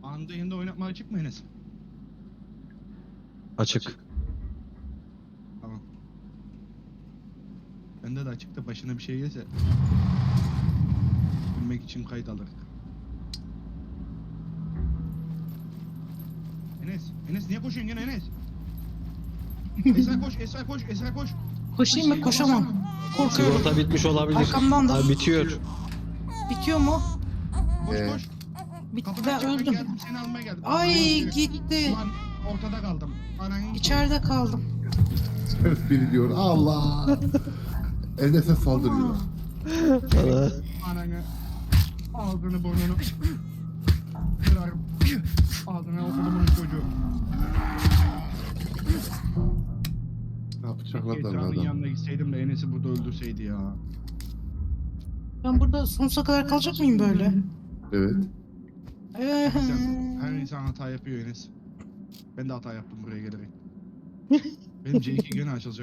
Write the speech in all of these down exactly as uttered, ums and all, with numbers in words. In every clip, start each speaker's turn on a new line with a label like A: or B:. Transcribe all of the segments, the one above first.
A: Anında yanında oynatma açık mı Enes?
B: Açık.
A: Tamam. Bende de açık da başına bir şey gelse bilmek için kayıt alır. Enes, Enes niye koşuyorsun gene Enes? Esra koş, Esra koş, Esra koş.
C: Koşayım mı? Koşamam. Korkuyorum.
B: Sigorta bitmiş olabilir.
C: Arkamdan da.
B: Ha, bitiyor.
C: Bitiyor mu?
A: Koş
D: Ee,
A: koş.
C: Bitti,
A: Kapıdan
C: ben
A: çıkmak
C: öldüm.
A: geldim, seni almaya geldim.
C: Ay
A: Ulan,
C: gitti.
A: Ulan ortada kaldım. Ananın
C: İçeride kaldım.
D: Biri diyor Allah. Enes'e saldırıyor.
B: Sana.
A: ananı ağzını burnunu kırarım. Ağzına okudumun çocuğu.
D: Ne yapacaklar da
A: Esra'nın
D: adam.
A: yanına gitseydim de Enes'i burada öldürseydi ya.
C: Ben burada sonsuza kadar kalacak mıyım böyle?
D: Evet.
C: Ee,
A: Sen, her insan hata yapıyor Enes. Ben de hata yaptım buraya gelerek. Benim C iki gene açılacak.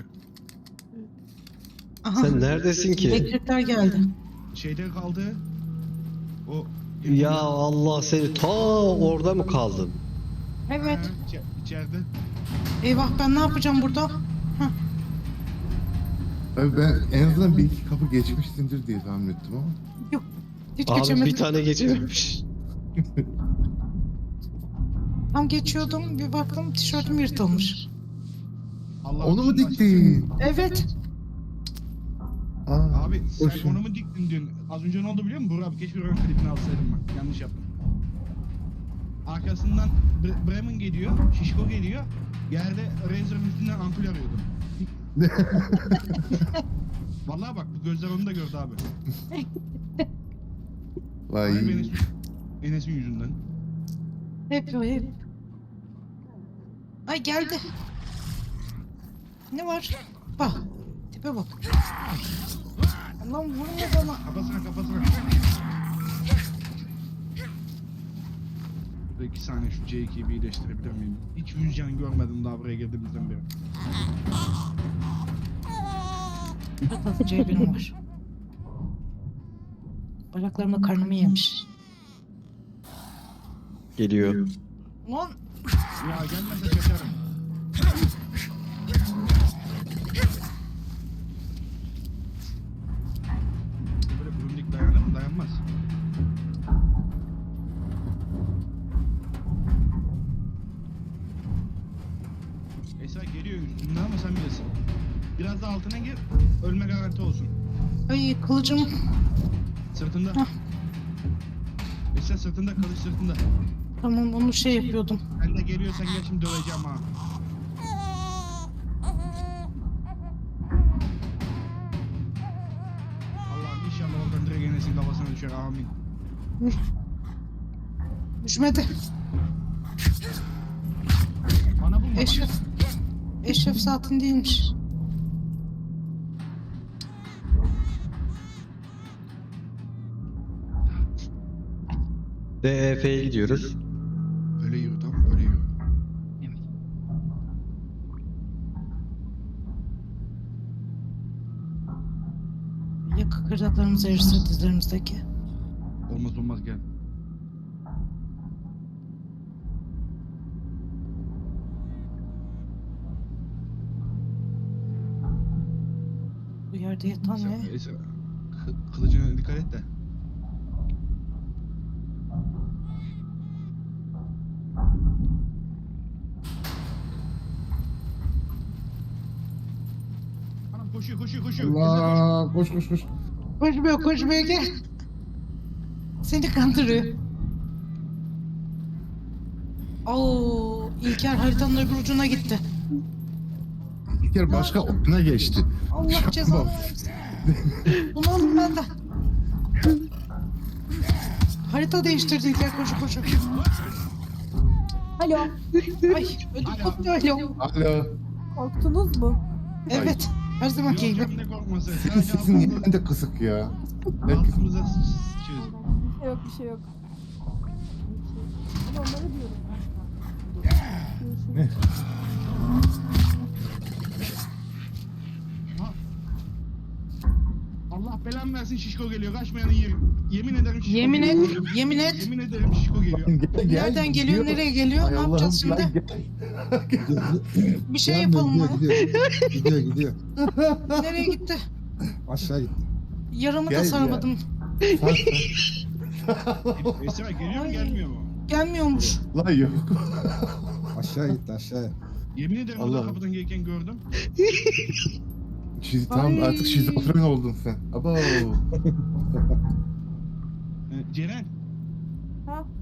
C: aha,
B: Sen neredesin ki?
C: elektrikler geldi.
A: Şeyde kaldı. O
B: Ya Allah seni ta orada mı kaldın?
C: Evet.
A: Ha, içe- içeride.
C: Eyvah ben ne yapacağım burada?
D: Abi ben en azından bir iki kapı geçmişsindir diye tahmin ettim ama.
C: Yok. Hiç
B: Abi
C: geçemedim.
B: bir tane geçememiş.
C: Tam geçiyordum bir baktım tişörtüm yırtılmış.
A: Allah
D: Onu mu
A: aşkına
D: diktin?
C: Evet.
D: Aa,
A: Abi sen
D: boşum.
A: onu mu diktin dün? Az önce ne oldu biliyor musun? Burak abi keşke ön klipini alsaydım ben. Yanlış yaptım. Arkasından Bre- Bremen geliyor, Şişko geliyor. Yerde Razer'ın üstünden ampul arıyordum. Vallahi bak bu gözler onu da gördü abi.
D: Vay.
A: Ay Enes'in Enes'in yüzünden.
C: Hep o hep. Ay geldi. Ne var? Bak. Tipe bak. Lan vurma bana.
A: Kafasına kafasına. Burada iki saniye şu C iki'yi bir iyileştirebilir miyim? Hiç yüz can görmedim daha buraya girdiğimizden beri.
C: C birim var. Bacaklarımla karnımı yemiş.
B: Geliyor.
C: Lan
A: Ya gelmese kaçarım. Böyle bründik dayanır mı? Dayanmaz. Esra geliyor üstünden ama sen bilirsin. Biraz da altına gir, ölme garanti olsun.
C: ay kılıcım.
A: Sırtında.
C: Hah.
A: Esra sırtında, kılıç sırtında.
C: Tamam onu şey yapıyordum.
A: Ben de geliyorsan gel şimdi döveceğim ha. Allah'ım inşallah oradan direkt Enes'in kafasına düşer amin.
C: Düşmedi.
A: Bana bulma bak.
C: Eşref. Eşref saatin değilmiş.
B: D E F'ye gidiyoruz.
A: Böyle yürü tamam böyle yürü.
C: Ya kıkırdaklarımız erirse dizlerimizdeki.
A: Olmaz olmaz gel.
C: Bu yerde yatan
A: Esra,
C: ne?
A: Esra, kı- kılıcına dikkat et de. Anam koşuyor koşuyor koşuyor. Esra koş.
D: Allah. Koş koş koş.
C: Koşmuyor koşmuyor gel. Seni kandırıyor. Oo, İlker haritanın öbür ucuna gitti.
D: Bir kere başka okuna geçti.
C: Allah cezanı versin. Bunu alın benden. Harita değiştirdi İlker koşu koşu.
E: Alo,
C: Ay ödüm koptu alo.
D: Alo.
E: korktunuz mu?
C: Evet her zamanki
A: Yok
C: gibi.
A: canım ne korkması.
D: Senin
A: Sadece
D: sesin niye
A: altımıza-
D: de kısık ya? Herkes
A: altımıza sıçıyoruz.
E: Bir şey yok, bir şey yok. Ama onları diyorum.
D: ne?
E: Görüşürüz.
A: Ha. Allah Allah belanı versin şişko geliyor. Kaçmayanı yerim. Yemin ederim şişko
C: Yemin
A: geliyor.
C: et, yemin et.
A: Yemin ederim şişko geliyor.
D: Gel, gel,
C: Nereden geliyor, nereye geliyor?
D: Ay
C: Ne
D: Allah'ım,
C: yapacağız
D: gel,
C: şimdi?
D: gel.
C: Bir şey
F: Gelmiyor,
C: yapalım mı?
F: gidiyor, gidiyor. Gidiyor gidiyor.
C: Nereye gitti?
F: Aşağı gitti.
C: Yarımı
D: Gel
C: da
D: ya.
C: sarmadım.
A: Esra geliyor mu
C: Ay.
A: gelmiyor mu?
C: Gelmiyormuş.
D: Lan yok.
F: Aşağı gitti aşağıya.
A: Yemin ederim
B: Allah.
A: Allah kapıdan gelirken gördüm.
D: Şiz, tamam
C: Ay.
D: artık şizofren oldun sen. Abo.
A: Ee, Ceren
E: Ha?